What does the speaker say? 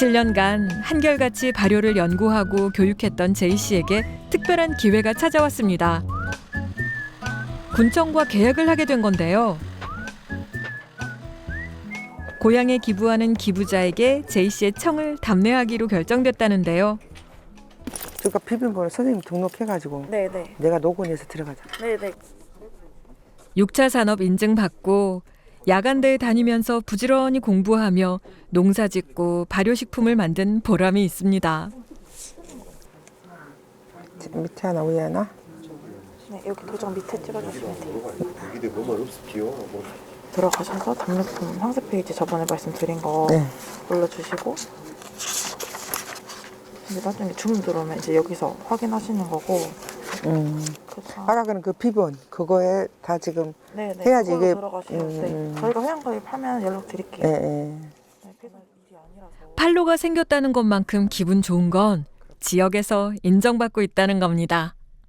7년간 한결같이 발효를 연구하고 교육했던 제이 씨에게 특별한 기회가 찾아왔습니다. 군청과 계약을 하게 된 건데요. 고향에 기부하는 기부자에게 제이 씨의 청을 답례하기로 결정됐다는데요. 그러니까 비빔번호 선생님 등록해가지고 네네. 내가 녹원해서 들어가자. 네네. 6차 산업 인증받고 야간대에 다니면서 부지런히 공부하며 농사짓고 발효식품을 만든 보람이 있습니다. 밑에 하나 위에 하나? 네, 여기 도장 밑에 찍어주시면 돼요. 이게 뭐만 없을게요. 들어가셔서 답례품 상세 페이지 저번에 말씀드린 거 네. 올려주시고 이제 나중에 주문 들어오면 이제 여기서 확인하시는 거고. 그다음 아까 그런 그 비번 그거에 다 지금 네네. 해야지 그걸로 이게 들어가시면 네. 저희가 회원가입하면 연락 드릴게요. 예, 예. 네, 일이 아니라서. 팔로가 생겼다는 것만큼 기분 좋은 건 지역에서 인정받고 있다는 겁니다.